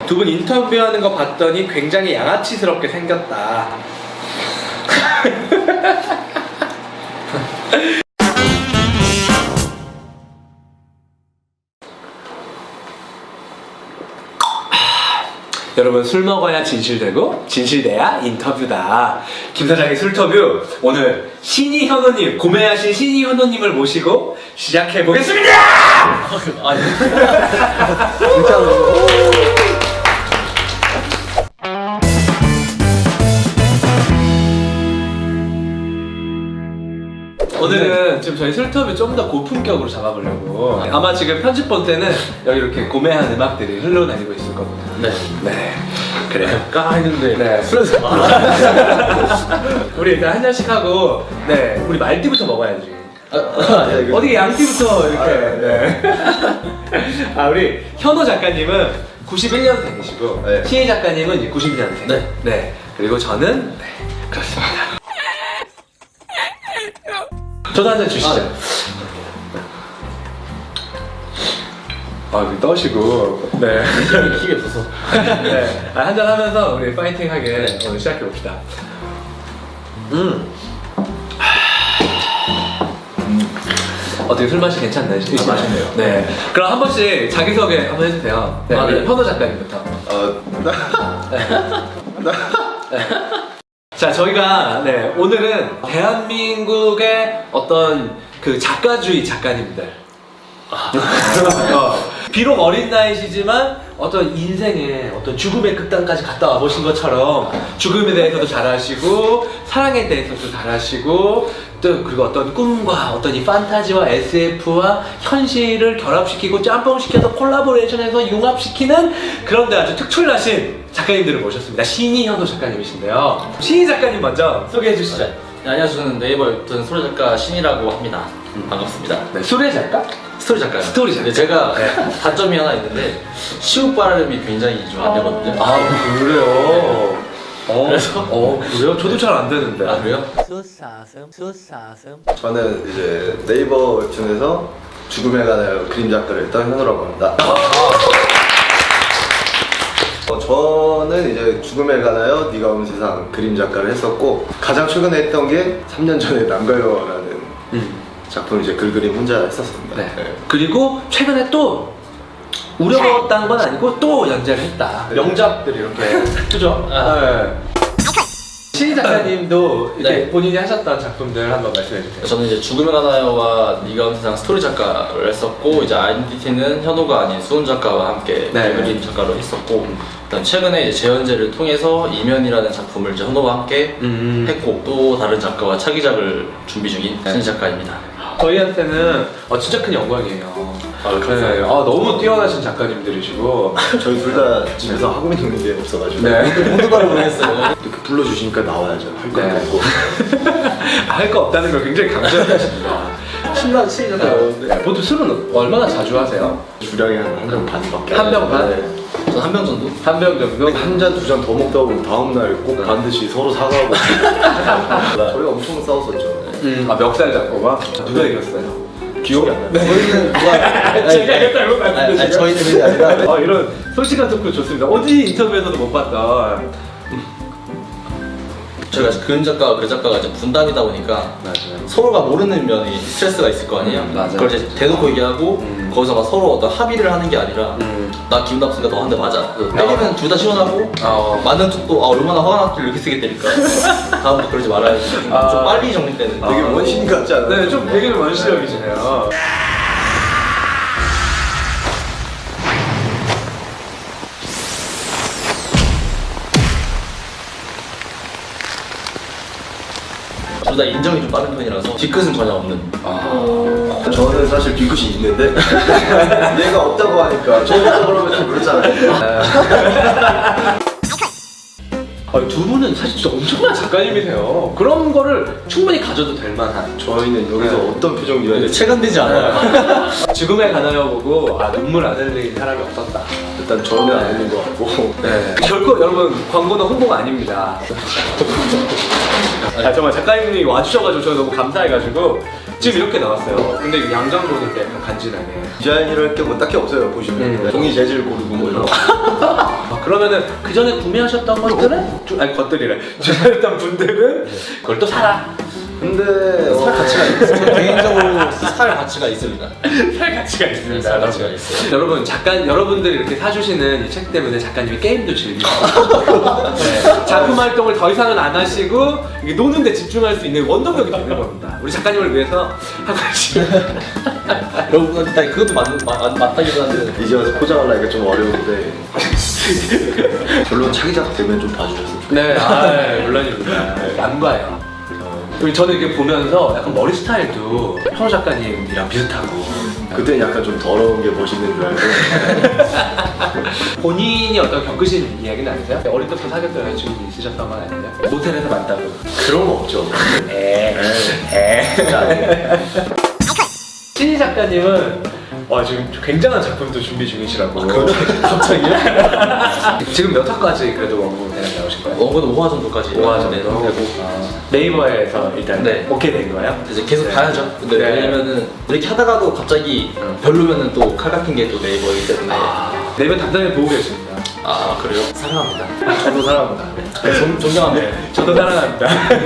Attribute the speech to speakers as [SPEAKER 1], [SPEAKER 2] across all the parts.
[SPEAKER 1] 두 분 인터뷰하는 거 봤더니 굉장히 양아치스럽게 생겼다. 여러분, 술 먹어야 진실되고 진실돼야 인터뷰다. 김 사장의 술터뷰, 오늘 신이 현호님, 고매하신 신이 현호님을 모시고 시작해 보겠습니다.
[SPEAKER 2] 아니
[SPEAKER 1] 오늘은 지금 저희 술터뷰 좀 더 고품격으로 잡아보려고, 아마 지금 편집 본 때는 여기 이렇게 고매한 음악들이 흘러다니고 있을 겁니다.
[SPEAKER 2] 네.
[SPEAKER 1] 네, 그래요.
[SPEAKER 2] 까이는데
[SPEAKER 1] 네, 술에서 우리 일단 한 잔씩 하고, 네, 우리 말띠부터 먹어야지. 어디 양띠부터 이렇게. 네. 아, 우리 현호 작가님은 91년생이시고,
[SPEAKER 3] 네.
[SPEAKER 1] 신희 작가님은 이제 92년생.
[SPEAKER 2] 네.
[SPEAKER 1] 네. 그리고 저는, 네, 그렇습니다. 저도 한 잔 주시죠. 아, 떠시고. 네.
[SPEAKER 2] 키게 부서.
[SPEAKER 1] 네. 한 잔 하면서 우리 파이팅하게 오늘 시작해 봅시다. 어떻게 술 맛이 괜찮나요?
[SPEAKER 3] 맛있네요.
[SPEAKER 1] 네. 그럼 한 번씩 자기소개 한번 해주세요. 네.
[SPEAKER 2] 네.
[SPEAKER 1] 현호 작가님부터. 자, 저희가 네, 오늘은 대한민국의 어떤 그 작가주의 작가님들. 비록 어린 나이시지만 어떤 인생의 어떤 죽음의 극단까지 갔다 와보신 것처럼 죽음에 대해서도 잘 아시고 사랑에 대해서도 잘 아시고 또 그리고 어떤 꿈과 어떤 이 판타지와 SF와 현실을 결합시키고 짬뽕시켜서 콜라보레이션해서 융합시키는 그런데 아주 특출나신 작가님들을 모셨습니다. 신이 현호 작가님이신데요. 신이 작가님 먼저 소개해 주시죠.
[SPEAKER 2] 네, 안녕하세요. 저는 네이버 유튜브 소리 작가 신이라고 합니다. 반갑습니다.
[SPEAKER 1] 네, 수레 작가?
[SPEAKER 2] 스토리 작가요.
[SPEAKER 1] 스토리 작가.
[SPEAKER 2] 네, 제가 단점이 하나 있는데 시옷 발음이 굉장히 좀 안 되거든요.
[SPEAKER 1] 아, 그래요?
[SPEAKER 2] 그래서?
[SPEAKER 1] 그래요? 저도 잘 안 되는데.
[SPEAKER 2] 아 그래요?
[SPEAKER 3] 저는 이제 네이버 웹툰에서 죽음에 관하여 그림 작가를 했던 현우라고 합니다. 저는 이제 죽음에 관하여 네가 온 세상 그림 작가를 했었고, 가장 최근에 했던 게 3년 전에 남가요라는 작품 이제 글 그림 혼자 했었습니다.
[SPEAKER 1] 네. 그리고 최근에 또 우려먹었다는 건 아니고 또 연재를 했다.
[SPEAKER 3] 네.
[SPEAKER 1] 명작들이 이렇게. 그죠?
[SPEAKER 2] 아.
[SPEAKER 1] 네. 신희 작가님도 이렇게
[SPEAKER 2] 네.
[SPEAKER 1] 본인이 하셨던 작품들 한번 말씀해 주세요.
[SPEAKER 2] 저는 이제 죽음의 가나요와 네가 온 세상 스토리 작가를 했었고, 이제 아이덴티티는 현호가 아닌 수훈 작가와 함께
[SPEAKER 1] 네.
[SPEAKER 2] 그림 작가로 했었고, 그다음 최근에 이제 재연재를 통해서 이면이라는 작품을 이제 현호와 함께 했고, 또 다른 작가와 차기작을 준비 중인 신희 작가입니다.
[SPEAKER 1] 저희한테는 진짜 큰 영광이에요.
[SPEAKER 2] 감사합니다.
[SPEAKER 1] 네. 너무 뛰어나신 작가님들이시고.
[SPEAKER 3] 저희 둘 다 집에서 하고 있는 게 없어가지고
[SPEAKER 1] 네.
[SPEAKER 2] 모두가를 모르겠어요.
[SPEAKER 3] 이렇게 불러주시니까 나와야죠. 할 거
[SPEAKER 1] 네.
[SPEAKER 3] 없고.
[SPEAKER 1] 할 거 없다는 걸 굉장히 강조하십니다. 신나시잖아요. 네. 보통 술은 얼마나 자주 하세요?
[SPEAKER 3] 주량이 한 병 반밖에
[SPEAKER 1] 한 병 반?
[SPEAKER 3] 네.
[SPEAKER 2] 전 한 병 정도?
[SPEAKER 1] 한 병 정도?
[SPEAKER 3] 한 잔 두 잔 더 먹다 보면 다음날 꼭 반드시 서로 사과하고 저희가 엄청 싸웠었죠.
[SPEAKER 1] 멱살 잡고가? 누가 이겼어요?
[SPEAKER 3] 기억이 안 나요.
[SPEAKER 2] 저희는 누가
[SPEAKER 1] 제가 이겼다고 말씀드리죠.
[SPEAKER 2] 저희들이 아니라
[SPEAKER 1] 이런 솔직한 토크 좋습니다. 어디 인터뷰에서도 못 봤던.
[SPEAKER 2] 저희가 그림 작가와 그 작가가 이제 분담이다 보니까 서로가 모르는 면이 스트레스가 있을 거 아니에요?
[SPEAKER 1] 맞아요.
[SPEAKER 2] 그걸 이제 대놓고 얘기하고 거기서 막 서로 어떤 합의를 하는 게 아니라 나 기분 나쁘니까 너 한 대 맞아. 때리면 둘 다 시원하고 맞는 쪽도 얼마나 화가 났길래 이렇게 세게 때릴까. 다음부터 그러지 말아야지. 좀 빨리 정리되는.
[SPEAKER 3] 되게 원신 같지 않아요?
[SPEAKER 1] 네, 좀 되게 원시적이시네요.
[SPEAKER 2] 둘 다 인정이 좀 빠른 편이라서 뒤끝은 전혀 없는.
[SPEAKER 3] 저는 사실 뒤끝이 있는데 얘가 없다고 하니까 저 있다 그러면 좀 그렇잖아요.
[SPEAKER 1] 두 분은 사실 진짜 엄청난 작가님이세요. 그런 거를 충분히 가져도 될 만한.
[SPEAKER 3] 저희는 여기서 어떤 표정이어야 될지
[SPEAKER 2] 체감되지 않아요.
[SPEAKER 1] 죽음에 가나요 보고 눈물 안 흘리는 사람이 없었다.
[SPEAKER 3] 일단 저는 안 있는 것 같고.
[SPEAKER 1] 네. 결코 여러분 광고는 홍보가 아닙니다. 정말 작가님이 와주셔가지고 저는 너무 감사해가지고 지금 이렇게 나왔어요. 근데 양장 보니까 약간 간지나게.
[SPEAKER 3] 디자인이랄 게 뭐 딱히 없어요. 보시면 종이 재질 고르고 뭐 이런 거.
[SPEAKER 1] 그러면은 그 전에 구매하셨던 것들은 아니 것들이래. 주셨던 분들은 그걸 또 사라.
[SPEAKER 3] 근데
[SPEAKER 2] 살 가치가 있어요. 저는 개인적으로 살 가치가 있습니다.
[SPEAKER 1] 살 가치가 있습니다.
[SPEAKER 2] 살 가치가 있어요.
[SPEAKER 1] 여러분 여러분들이 이렇게 사주시는 이 책 때문에 작가님이 게임도 즐기고 네, 작품 활동을 더 이상은 안 하시고 이게 노는 데 집중할 수 있는 원동력이 되는 겁니다. 우리 작가님을 위해서 한 가지.
[SPEAKER 2] 여러분 일단 그것도 맞다기도 한데
[SPEAKER 3] 이제 와서 포장하려니까 좀 어려운데 결론 차기작 되면 좀 봐주셨으면 좋겠어요.
[SPEAKER 1] 네, 물론입니다. 안 봐요. 저는 이렇게 보면서 약간 머리 스타일도 현우 작가님이랑 비슷하고
[SPEAKER 3] 그때는 약간 좀 더러운 게 멋있는 줄 알고
[SPEAKER 1] 본인이 어떤 겪으신 이야기는 아니세요? 어릴 때부터 사귀었던 여자친구 있으셨던 건 아니세요? 모텔에서 만나고
[SPEAKER 3] 그런 거 없죠.
[SPEAKER 1] 진짜 아니에요. 신희 작가님은 지금 굉장한 작품도 준비 중이시라고.
[SPEAKER 2] 갑자기요?
[SPEAKER 1] 지금 몇 화까지 그래도 원고 대략 나오신 거예요?
[SPEAKER 2] 원고는 5화 정도까지
[SPEAKER 1] 5화 정도?
[SPEAKER 2] 되고
[SPEAKER 1] 네이버에서 일단
[SPEAKER 2] 네.
[SPEAKER 1] 오케이 된 거예요?
[SPEAKER 2] 이제 계속 봐야죠. 근데
[SPEAKER 1] 네.
[SPEAKER 2] 왜냐면은 이렇게 하다가도 갑자기 별로면은 또 칼 같은 게 또 네이버이기 때문에
[SPEAKER 1] 네이버 담당을 보고 계십니다.
[SPEAKER 2] 아 그래요? 사랑합니다.
[SPEAKER 1] 저도 사랑합니다.
[SPEAKER 2] 네, 존경합니다.
[SPEAKER 1] 저도 사랑합니다.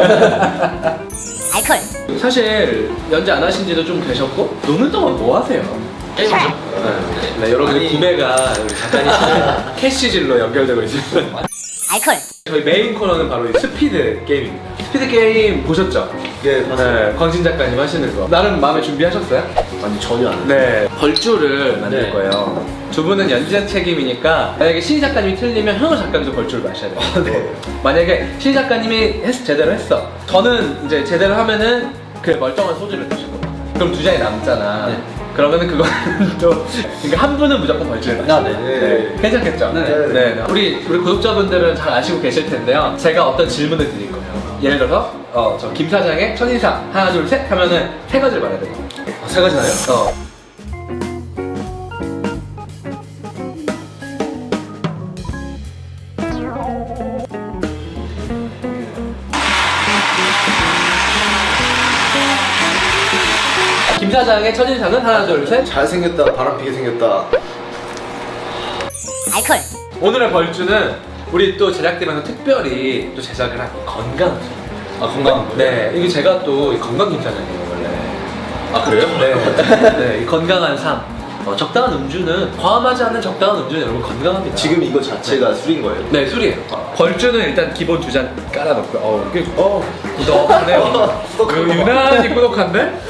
[SPEAKER 4] 알콜.
[SPEAKER 1] 사실 연재 안 하신 지도 좀 되셨고 노는 동안 뭐 하세요?
[SPEAKER 2] 게임하죠.
[SPEAKER 1] 네, 여러분의
[SPEAKER 2] 아니.
[SPEAKER 1] 구매가 우리 작가님 캐시질로 연결되고 있습니다.
[SPEAKER 4] 알콜.
[SPEAKER 1] 저희 메인 코너는 바로 이 스피드 게임입니다. 스피드 게임 보셨죠?
[SPEAKER 3] 예, 맞아요.
[SPEAKER 1] 네, 광진 작가님 하시는 거. 나름 마음에 준비하셨어요?
[SPEAKER 3] 아니 전혀 안 해요.
[SPEAKER 1] 네, 벌주를 만들
[SPEAKER 2] 네.
[SPEAKER 1] 거예요. 두 분은 연재 책임이니까 만약에 신희 작가님이 틀리면 현우 작가님도 벌주를 마셔야 돼요.
[SPEAKER 3] 네.
[SPEAKER 1] 만약에 신희 작가님이 제대로 했어. 저는 이제 제대로 하면은 그 멀쩡한 소주를 드시고 그럼 두 잔이 남잖아.
[SPEAKER 2] 네.
[SPEAKER 1] 그러면은 그거는 또 그러니까 한 분은 무조건 벌주를 마셔.
[SPEAKER 2] 아, 네.
[SPEAKER 1] 네. 괜찮겠죠?
[SPEAKER 2] 네.
[SPEAKER 1] 네. 우리 구독자분들은 잘 아시고 계실 텐데요. 제가 어떤 질문을 드릴 거예요. 예를 들어서 저 김 사장의 첫인상 하나 둘 셋 하면은 세 가지를 말해야 돼요.
[SPEAKER 2] 세 가지 나요?
[SPEAKER 1] 김 사장의 첫인상은 하나 둘 셋.
[SPEAKER 3] 잘생겼다, 바람피게 생겼다.
[SPEAKER 4] 알콜.
[SPEAKER 1] 오늘의 벌주는 우리 또 제작팀에서 특별히 또 제작을 한 건강.
[SPEAKER 2] 아 건강한 거예요?
[SPEAKER 1] 네, 이게 제가 또 건강 김 사장이에요 원래.
[SPEAKER 2] 아 그래요?
[SPEAKER 1] 네, 네, 이 건강한 삶. 적당한 음주는 과음하지 않는 적당한 음주는 여러분 건강합니다.
[SPEAKER 3] 지금 이거 자체가 술인 거예요?
[SPEAKER 1] 네, 술이에요. 벌주는 일단 기본 두 잔 깔아놓고요. 이게 꾸덕하네요. 유난히 꾸덕한데?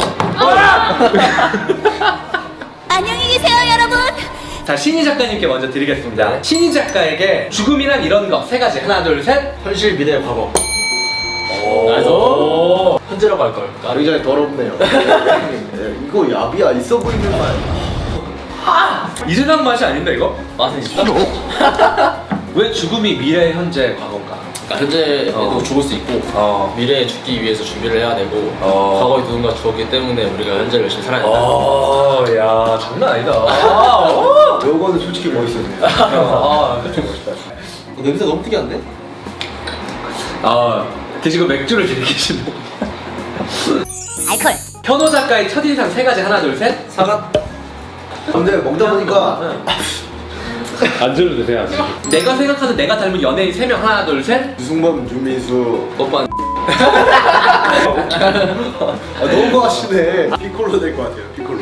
[SPEAKER 4] 안녕히 계세요, 여러분.
[SPEAKER 1] 자, 신희 작가님께 먼저 드리겠습니다. 신희 작가에게 죽음이란 이런 거 세 가지. 하나, 둘, 셋.
[SPEAKER 2] 현실 미래 과거.
[SPEAKER 1] 오.
[SPEAKER 2] 현재라고 할 걸.
[SPEAKER 3] 굉장히 더럽네요. 네, 이거 야비야, 있어 보이는 말.
[SPEAKER 1] 이 세상 맛이 아닌데 이거?
[SPEAKER 2] 맛은 있다.
[SPEAKER 1] 왜 죽음이 미래, 현재, 과거인가?
[SPEAKER 2] 그러니까 현재에도 죽을 수 있고 미래에 죽기 위해서 준비를 해야 되고 과거에 누군가 죽었기 때문에 우리가 현재를 열심히 살아야 된다.
[SPEAKER 1] 야, 장난 아니다.
[SPEAKER 3] 요거는 솔직히 멋있었네요.
[SPEAKER 1] 그쵸, 멋있다.
[SPEAKER 2] 냄새 너무 특이한데?
[SPEAKER 1] 드시고 맥주를 즐기시는.
[SPEAKER 4] 알콜.
[SPEAKER 1] 현호 작가의 첫인상 세 가지. 하나, 둘, 셋.
[SPEAKER 2] 사과?
[SPEAKER 3] 근데 먹다 보니까
[SPEAKER 1] 안주를 드세요, 안주. 내가 생각하는 내가 닮은 연예인 3명. 하나, 둘, 셋.
[SPEAKER 3] 유승범, 윤민수.
[SPEAKER 2] 오빠
[SPEAKER 3] 너무 하시네. 피콜로 될 것 같아요, 피콜로.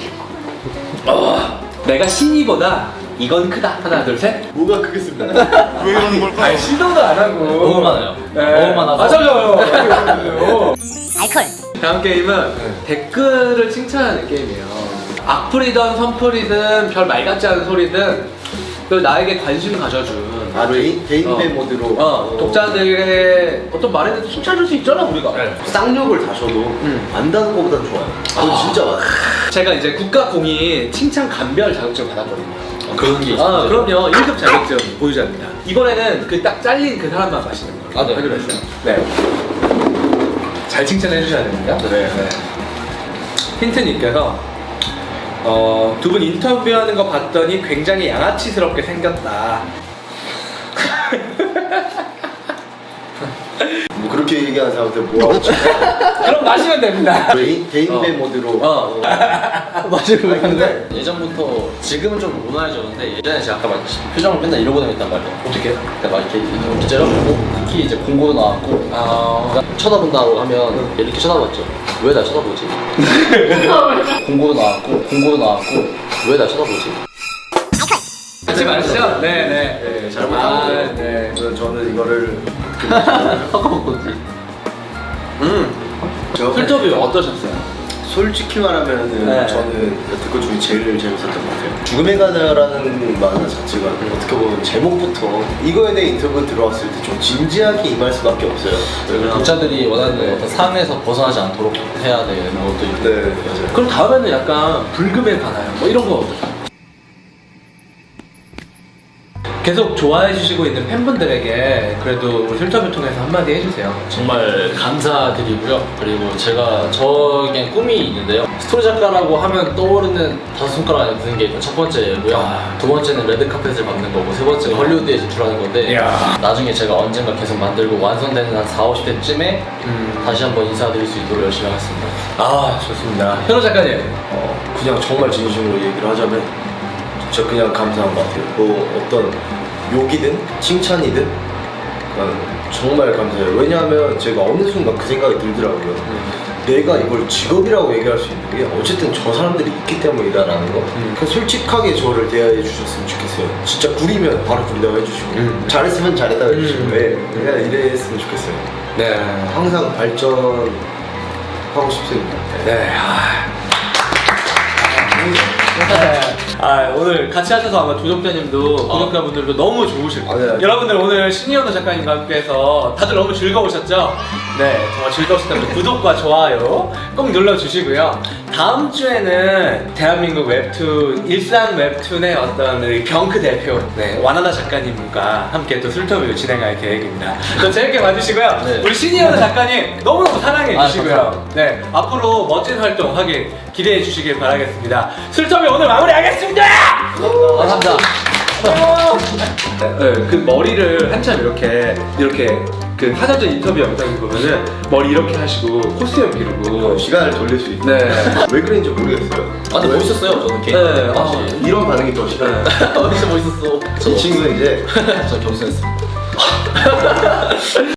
[SPEAKER 1] 내가 신이보다 이건 크다. 하나, 둘, 셋.
[SPEAKER 3] 뭐가 크겠습니까?
[SPEAKER 5] 왜 이러는 걸까?
[SPEAKER 1] 아니, 시도도 안 하고.
[SPEAKER 2] 너무 많아요.
[SPEAKER 1] 네.
[SPEAKER 2] 너무 많아서.
[SPEAKER 1] 맞아요.
[SPEAKER 4] 알콜.
[SPEAKER 1] 다음 게임은 댓글을 칭찬하는 게임이에요. 악플이든 선플이든 별 말 같지 않은 소리든 그 나에게 관심 가져준
[SPEAKER 3] 아, 개인배 모드로.
[SPEAKER 1] 독자들의 어떤 말에 대해서 칭찬해줄 수 있잖아 우리가.
[SPEAKER 3] 쌍욕을 다셔도 안다는 것보단 좋아요. 그건 진짜 많아요.
[SPEAKER 1] 제가 이제 국가공인 칭찬 감별 자격증을 받았거든요.
[SPEAKER 2] 그런 게 있어요.
[SPEAKER 1] 그럼요. 1급 자격증 보유자입니다. 이번에는 그 딱 잘린 그 사람만 마시는 걸로
[SPEAKER 2] 아, 네.
[SPEAKER 1] 하기로 했어요. 네. 잘 칭찬해 주셔야 됩니다. 네. 힌트님께서 두 분 인터뷰하는 거 봤더니 굉장히 양아치스럽게 생겼다.
[SPEAKER 3] 뭐 그렇게 얘기하는 사람한테 뭐하고
[SPEAKER 1] 그럼 마시면 됩니다.
[SPEAKER 3] 개인배 모드로
[SPEAKER 2] 맞아요. 근데 예전부터 지금은 좀 온화해졌는데 예전에 제가 아까 말했듯이 표정을 맨날 이러고 다녔단 말이에요.
[SPEAKER 1] 어떻게?
[SPEAKER 2] 그러니까 막 이렇게 째려보고 특히 이제 공고도 나왔고 쳐다본다고 하면 이렇게 쳐다봤죠. 왜 날 쳐다보지? 공고도 나왔고 왜 날 쳐다보지?
[SPEAKER 1] 하지 마시죠. 네네.
[SPEAKER 3] 잘못한
[SPEAKER 1] 네.
[SPEAKER 3] 그래서 저는 이거를
[SPEAKER 2] 섞어먹었지.
[SPEAKER 1] 필터뷰 어떠셨어요?
[SPEAKER 3] 솔직히 말하면은
[SPEAKER 1] 네.
[SPEAKER 3] 저는 여태껏 중에 제일 재밌었던 것 같아요. 죽음의 가나라는 만화 자체가 어떻게 보면 제목부터 이거에 대해 인터뷰 들어왔을 때 좀 진지하게 임할 수밖에 없어요.
[SPEAKER 2] 독자들이 원하는 어떤 상에서 벗어나지 않도록 해야 되는 것도 있고.
[SPEAKER 3] 네, 맞아요.
[SPEAKER 1] 그럼 다음에는 약간 불금에 가나요? 뭐 이런 거 어떠세요? 계속 좋아해 주시고 있는 팬분들에게 그래도 우리 필터뷰 통해서 한마디 해주세요.
[SPEAKER 2] 정말 감사드리고요. 그리고 저에게 꿈이 있는데요. 스토리 작가라고 하면 떠오르는 5손가락 안에 드는 게 일단 첫 번째고요. 두 번째는 레드카펫을 받는 거고, 세 번째가 헐리우드에 진출하는 건데,
[SPEAKER 1] 이야.
[SPEAKER 2] 나중에 제가 언젠가 계속 만들고 완성되는 한 40, 50대쯤에 다시 한번 인사드릴 수 있도록 열심히 하겠습니다.
[SPEAKER 1] 아 좋습니다. 현호 작가님.
[SPEAKER 3] 그냥 정말 진심으로 얘기를 하자면 진짜 그냥 감사한 것 같아요. 뭐 어떤 욕이든 칭찬이든 정말 감사해요. 왜냐하면 제가 어느 순간 그 생각이 들더라고요. 내가 이걸 직업이라고 얘기할 수 있는 게 어쨌든 저 사람들이 있기 때문이다라는 거. 그냥 솔직하게 저를 대해 주셨으면 좋겠어요. 진짜 구리면 바로 구리다고 해주시고 잘했으면 잘했다고 해주시고 그냥 이랬으면 좋겠어요.
[SPEAKER 1] 네.
[SPEAKER 3] 항상 발전하고 싶습니다.
[SPEAKER 1] 네. 오늘 같이 하셔서 아마 조종자님도 구독자분들도 너무 좋으실 거예요.
[SPEAKER 3] 네.
[SPEAKER 1] 여러분들 오늘 신이현우 작가님과 함께해서 다들 너무 즐거우셨죠? 네, 정말 즐거우셨다면 구독과 좋아요 꼭 눌러주시고요. 다음 주에는 대한민국 웹툰, 일산 웹툰의 어떤 우리 병크 대표, 네, 와나나 작가님과 함께 또 술터뷰 진행할 계획입니다. 또 재밌게 봐주시고요.
[SPEAKER 2] 네.
[SPEAKER 1] 우리 신이현우 작가님 너무너무 사랑해 주시고요.
[SPEAKER 2] 감사합니다.
[SPEAKER 1] 네, 앞으로 멋진 활동 하길 기대해 주시길 바라겠습니다. 술터뷰 오늘 마무리하겠습니다!
[SPEAKER 2] 감사합니다.
[SPEAKER 1] 네, 그 머리를 한참 이렇게 그 사전적 인터뷰 영상을 보면은 머리 이렇게 하시고 코스염 기르고
[SPEAKER 3] 시간을 돌릴 수 있다.
[SPEAKER 1] 네.
[SPEAKER 3] 왜 그런지 모르겠어요.
[SPEAKER 2] 근데 멋있었어요, 저는 개인적으로.
[SPEAKER 1] 네,
[SPEAKER 2] 확실히.
[SPEAKER 3] 이런 반응이 더 싫어요.
[SPEAKER 2] 진짜 멋있었어.
[SPEAKER 3] 이 친구는 이제
[SPEAKER 2] 저 겸손했어.